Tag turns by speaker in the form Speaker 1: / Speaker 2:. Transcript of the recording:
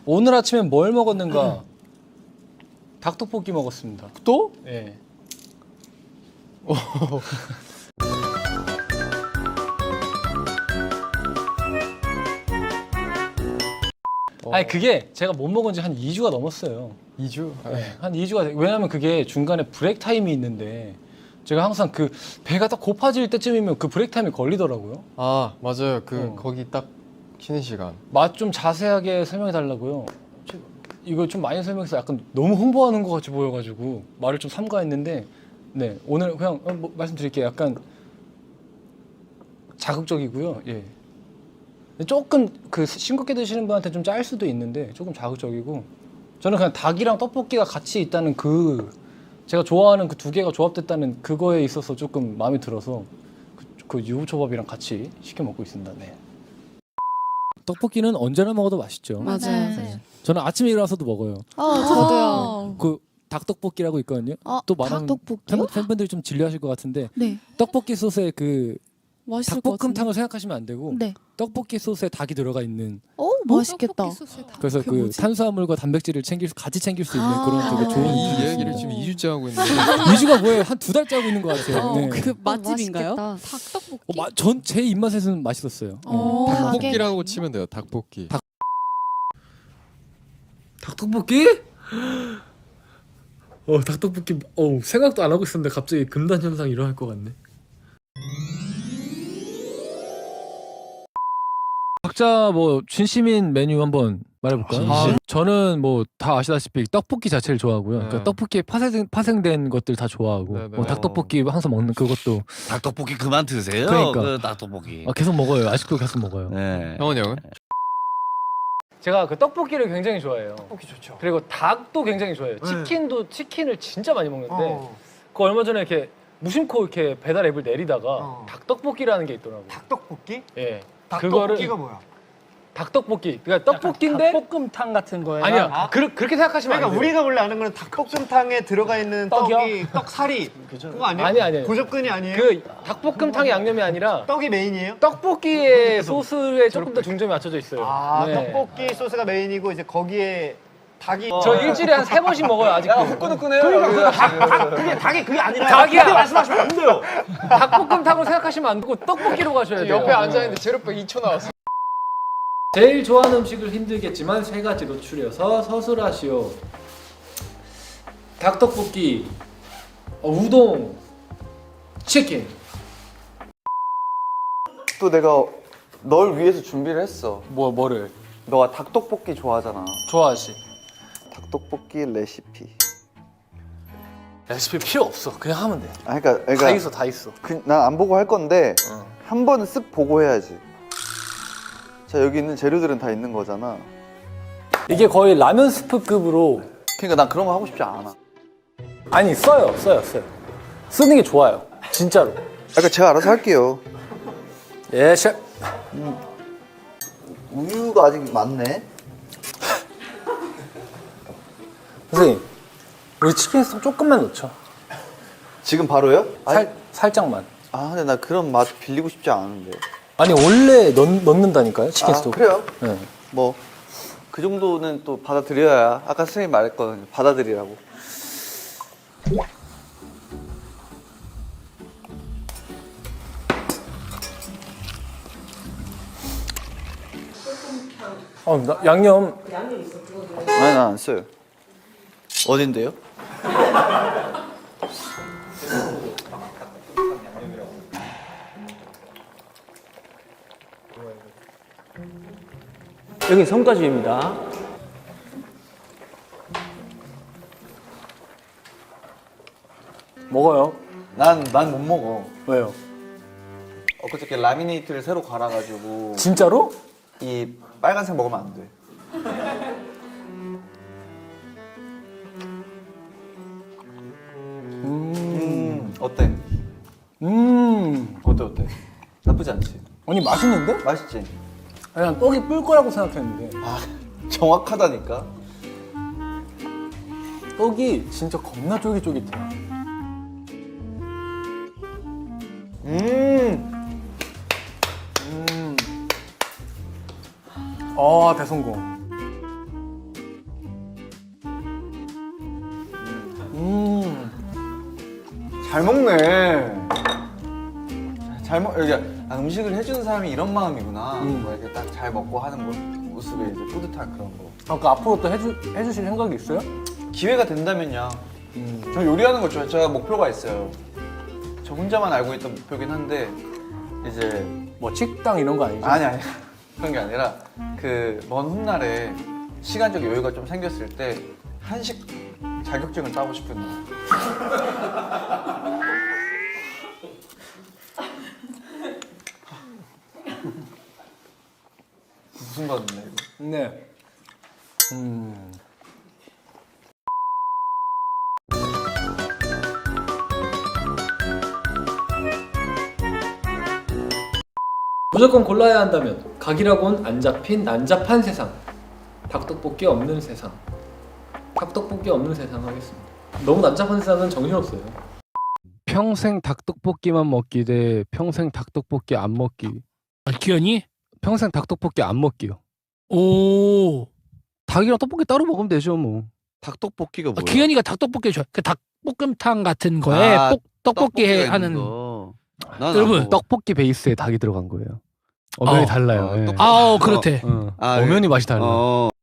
Speaker 1: 오늘 아침에 뭘 먹었는가? 닭떡볶이 먹었습니다.
Speaker 2: 또?
Speaker 1: 예. 아니 그게 제가 못 먹은 지 한 2주가 넘었어요.
Speaker 2: 2주?
Speaker 1: 네, 한 2주가 왜냐면 그게 중간에 브레이크 타임이 있는데 제가 항상 그 배가 딱 고파질 때쯤이면 그 브레이크 타임이 걸리더라고요.
Speaker 2: 아 맞아요. 거기 딱 쉬는 시간.
Speaker 1: 맛 좀 자세하게 설명해 달라고요. 이거 좀 많이 설명해서 약간 너무 홍보하는 것 같이 보여가지고 말을 좀 삼가했는데 네 오늘 그냥 뭐 말씀드릴게요. 약간 자극적이고요. 예. 조금 그 싱겁게 드시는 분한테 좀 짤 수도 있는데 조금 자극적이고 저는 그냥 닭이랑 떡볶이가 같이 있다는 그 제가 좋아하는 그 두 개가 조합됐다는 그거에 있어서 조금 마음에 들어서 그 유부초밥이랑 같이 시켜 먹고 있습니다. 네. 떡볶이는 언제나 먹어도 맛있죠.
Speaker 3: 맞아요.
Speaker 1: 네. 저는 아침에 일어나서도 먹어요.
Speaker 3: 저도요.
Speaker 1: 그 닭떡볶이라고 있거든요. 또 말하면
Speaker 3: 닭떡볶이요?
Speaker 1: 팬분들이 좀 질려하실 것 같은데
Speaker 3: 네.
Speaker 1: 떡볶이 소스에 그
Speaker 3: 맛있을 것 같은데.
Speaker 1: 닭볶음탕을 생각하시면 안 되고
Speaker 3: 네.
Speaker 1: 떡볶이 소스에 닭이 들어가 있는
Speaker 3: 맛있겠다.
Speaker 1: 그래서 그
Speaker 3: 뭐지?
Speaker 1: 탄수화물과 단백질을 같이 챙길 수 있는 그런 되게 좋은
Speaker 2: 이
Speaker 1: 음식이
Speaker 2: 이야기를
Speaker 1: 있습니다.
Speaker 2: 지금 2주째 하고 있는데
Speaker 1: 2주가 뭐예요? 한 2달째 하고 있는 것 같아요. 네.
Speaker 4: 그 맛집인가요?
Speaker 3: 닭떡볶이.
Speaker 1: 전 제 입맛에서는 맛있었어요.
Speaker 2: 닭볶이라고 치면 돼요. 닭볶이.
Speaker 1: 닭떡볶이? 닭떡볶이 생각도 안 하고 있었는데 갑자기 금단 현상 일어날 것 같네. 각자 뭐 진심인 메뉴 한번 말해볼까요? 저는 뭐 다 아시다시피 떡볶이 자체를 좋아하고요. 그러니까 떡볶이에 파생된 것들 다 좋아하고
Speaker 2: 네네.
Speaker 1: 뭐 닭떡볶이 항상 먹는 그것도
Speaker 5: 닭떡볶이 그만 드세요.
Speaker 1: 그러니까.
Speaker 5: 그 닭떡볶이.
Speaker 1: 계속 먹어요. 아직도 계속 먹어요.
Speaker 5: 네.
Speaker 2: 형은 형은?
Speaker 1: 제가 그 떡볶이를 굉장히 좋아해요. 떡볶이 좋죠. 그리고 닭도 굉장히 좋아해요. 치킨을 진짜 많이 먹는데 그 얼마 전에 이렇게 무심코 이렇게 배달 앱을 내리다가 닭떡볶이라는 게 있더라고요.
Speaker 6: 닭떡볶이?
Speaker 1: 예.
Speaker 6: 닭떡볶이가 뭐야?
Speaker 1: 닭떡볶이. 그러니까 떡볶이인데
Speaker 4: 닭볶음탕 같은 거예요.
Speaker 1: 아니야. 그렇게 생각하시면
Speaker 6: 그러니까
Speaker 1: 안 돼요.
Speaker 6: 우리가 원래 아는 거는 닭볶음탕에 들어가 있는
Speaker 4: 떡이요?
Speaker 6: 떡이 떡사리 그거 아니에요?
Speaker 1: 아니.
Speaker 6: 고접근이 아니에요?
Speaker 1: 그 닭볶음탕의 양념이 아니라
Speaker 6: 떡이 메인이에요?
Speaker 1: 떡볶이의 소스에 조금 더 중점이 맞춰져 있어요. 네.
Speaker 6: 떡볶이 소스가 메인이고 이제 거기에 닭이
Speaker 1: 저 일주일에 한 3번씩 먹어요 아직도.
Speaker 6: 후끈후끈해요. 그러니까 닭이 그게 아니라
Speaker 1: 닭이야.
Speaker 6: 그렇게 말씀하시면 안 돼요.
Speaker 1: 닭볶음탕으로 생각하시면 안 되고 떡볶이로 가셔야 돼요.
Speaker 2: 옆에 앉아있는데 제로백 2초 나왔어.
Speaker 1: 제일 좋아하는 음식을 힘들겠지만 세 가지 노출해서 서술하시오. 닭떡볶이, 우동, 치킨.
Speaker 7: 또 내가 널 위해서 준비를 했어.
Speaker 1: 뭐를?
Speaker 7: 너가 닭떡볶이 좋아하잖아.
Speaker 1: 좋아하지.
Speaker 7: 닭떡볶이 레시피.
Speaker 1: 레시피 필요 없어. 그냥 하면 돼.
Speaker 7: 그러니까
Speaker 1: 다 있어.
Speaker 7: 난 안 보고 할 건데 한 번은 쓱 보고 해야지. 자, 여기 있는 재료들은 다 있는 거잖아.
Speaker 1: 이게 거의 라면 스프급으로.
Speaker 7: 그러니까 난 그런 거 하고 싶지 않아.
Speaker 1: 아니 써요. 쓰는 게 좋아요. 진짜로.
Speaker 7: 그러니까 제가 알아서 할게요.
Speaker 1: 예, 셰프.
Speaker 7: 우유가 아직 많네.
Speaker 1: 선생님, 우리 치킨 스톡 조금만 넣죠.
Speaker 7: 지금 바로요?
Speaker 1: 살짝만.
Speaker 7: 근데 나 그런 맛 빌리고 싶지 않은데.
Speaker 1: 아니 원래 넣는다니까요, 치킨 스톡.
Speaker 7: 그래요?
Speaker 1: 네.
Speaker 7: 뭐 그 정도는 또 받아들여야. 아까 선생님 말했거든요. 받아들이라고.
Speaker 1: 양념.
Speaker 7: 아니, 난 안 써요. 어딘데요?
Speaker 4: 여기 손가락입니다.
Speaker 1: 먹어요.
Speaker 7: 난 못 먹어.
Speaker 1: 왜요?
Speaker 7: 엊그저께 라미네이트를 새로 갈아가지고
Speaker 1: 진짜로?
Speaker 7: 이 빨간색 먹으면 안 돼. 어때? 어때? 나쁘지 않지?
Speaker 1: 아니 맛있는데?
Speaker 7: 맛있지?
Speaker 1: 아니 난 떡이 뿔 거라고 생각했는데
Speaker 7: 정확하다니까?
Speaker 1: 떡이 진짜 겁나 쫄깃쫄깃해. 대성공.
Speaker 7: 잘 먹네. 잘 먹. 여기 음식을 해주는 사람이 이런 마음이구나. 뭐 이렇게 딱 잘 먹고 하는 모습에 이제 뿌듯한 그런 거.
Speaker 1: 아까 앞으로 또 해주실 생각이 있어요?
Speaker 7: 기회가 된다면요. 저 요리하는 거 좋아해요. 제가 목표가 있어요. 저 혼자만 알고 있던 목표긴 한데 이제
Speaker 1: 뭐 식당 이런 거 아니죠?
Speaker 7: 아니 그런 게 아니라 그 먼 훗날에 시간적 여유가 좀 생겼을 때 한식 자격증을 따고 싶은 거. 무슨 맛인데 이거?
Speaker 1: 네. 무조건 골라야 한다면 각이라곤 안 잡힌 난잡한 세상, 닭떡볶이 없는 세상. 닭떡볶이 없는 세상 하겠습니다. 너무 난잡한 세상은 정신없어요. 평생 닭떡볶이만 먹기 대 평생 닭떡볶이 안 먹기.
Speaker 8: 기현이?
Speaker 1: 평생 닭떡볶이 안 먹기요.
Speaker 8: 오.
Speaker 1: 닭이랑 떡볶이 따로 먹으면 되죠 뭐.
Speaker 5: 닭떡볶이가 뭐야?
Speaker 8: 기현이가 닭떡볶이 좋아. 그 닭볶음탕 같은 거에
Speaker 5: 아,
Speaker 8: 떡볶이 해
Speaker 5: 떡볶이가
Speaker 8: 하는.
Speaker 5: 있는 거. 난
Speaker 8: 여러분,
Speaker 5: 안 먹어.
Speaker 1: 떡볶이 베이스에 닭이 들어간 거예요. 어면이 달라요. 예.
Speaker 8: 아우 그렇대.
Speaker 1: 어.
Speaker 5: 아,
Speaker 1: 어면이 맛이 달라요.
Speaker 5: 어.